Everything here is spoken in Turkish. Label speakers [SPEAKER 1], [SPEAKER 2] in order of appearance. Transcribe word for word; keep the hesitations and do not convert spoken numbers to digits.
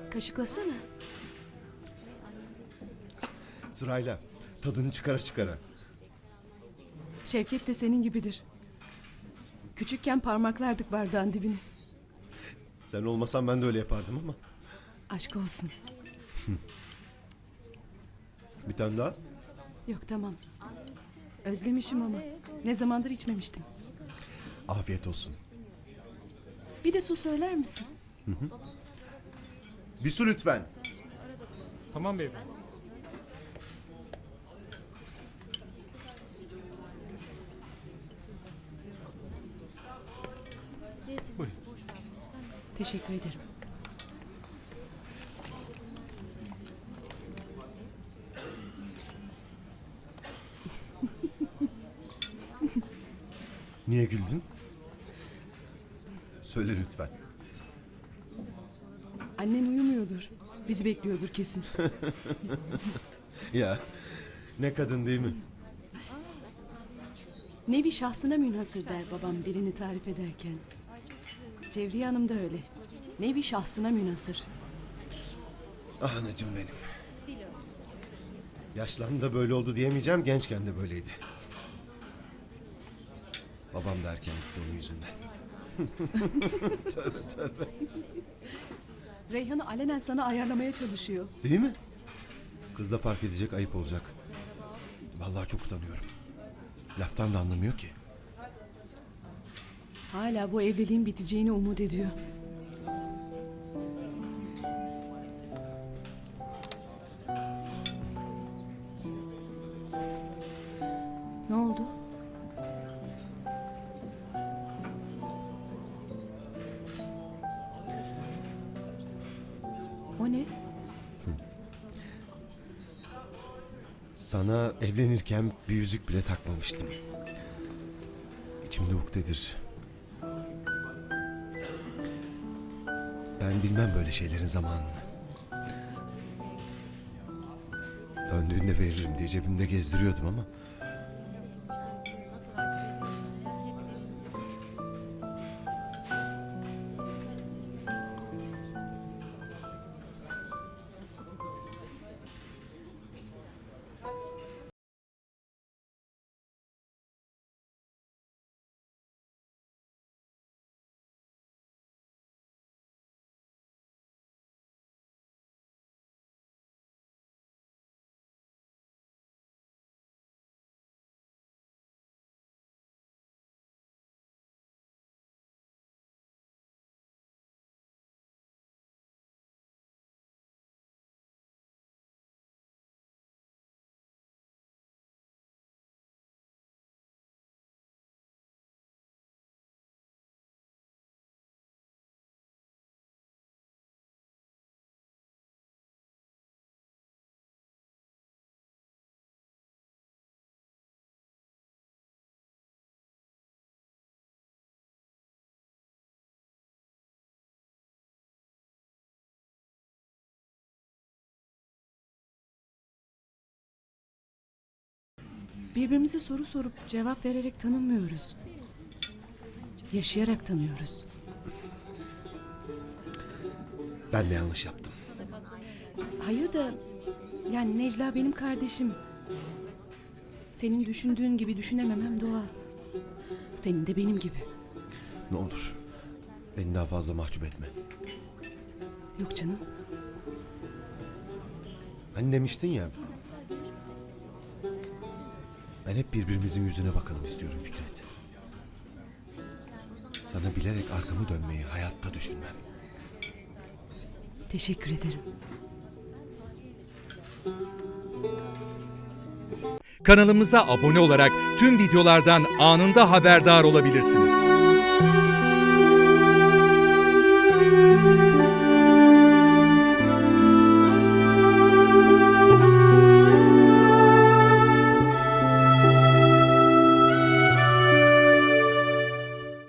[SPEAKER 1] Kaşıklasana.
[SPEAKER 2] Sırayla. Tadını çıkara çıkara.
[SPEAKER 1] Şevket de senin gibidir. Küçükken parmaklardık bardağın dibine.
[SPEAKER 2] Sen olmasan ben de öyle yapardım ama.
[SPEAKER 1] Aşk olsun.
[SPEAKER 2] Bir tane daha.
[SPEAKER 1] Yok tamam. Özlemişim ama. Ne zamandır içmemiştim.
[SPEAKER 2] Afiyet olsun.
[SPEAKER 1] Bir de su söyler misin?
[SPEAKER 2] Bir su lütfen.
[SPEAKER 3] Tamam beyefendi. Buyurun.
[SPEAKER 1] Teşekkür ederim.
[SPEAKER 2] Niye güldün? Söyle lütfen.
[SPEAKER 1] Annen uyumuyordur. Bizi bekliyordur kesin.
[SPEAKER 2] Ya ne kadın değil mi?
[SPEAKER 1] Nevi şahsına münhasır der babam birini tarif ederken. Cevriye Hanım da öyle. Nevi şahsına münhasır.
[SPEAKER 2] Ah anacığım benim. Yaşlandı da böyle oldu diyemeyeceğim, gençken de böyleydi. Babam da erken gitti onun yüzünden. Tövbe tövbe.
[SPEAKER 1] Reyhan'ı alenen sana ayarlamaya çalışıyor.
[SPEAKER 2] Değil mi? Kız da fark edecek, ayıp olacak. Vallahi çok utanıyorum. Laftan da anlamıyor ki.
[SPEAKER 1] Hala bu evliliğin biteceğini umut ediyor. Ne oldu? O ne?
[SPEAKER 2] Sana evlenirken bir yüzük bile takmamıştım. İçimde ukdedir. Ben bilmem böyle şeylerin zamanını. Döndüğünde veririm diye cebimde gezdiriyordum ama.
[SPEAKER 1] Birbirimize soru sorup cevap vererek tanımıyoruz. Yaşayarak tanıyoruz.
[SPEAKER 2] Ben de yanlış yaptım.
[SPEAKER 1] Hayır da yani Necla benim kardeşim. Senin düşündüğün gibi düşünememem doğal. Senin de benim gibi.
[SPEAKER 2] Ne olur. Beni daha fazla mahcup etme.
[SPEAKER 1] Yok canım.
[SPEAKER 2] Hani demiştin ya. Ben hep birbirimizin yüzüne bakalım istiyorum Fikret. Sana bilerek arkamı dönmeyi hayatta düşünmem.
[SPEAKER 1] Teşekkür ederim.
[SPEAKER 4] Kanalımıza abone olarak tüm videolardan anında haberdar olabilirsiniz.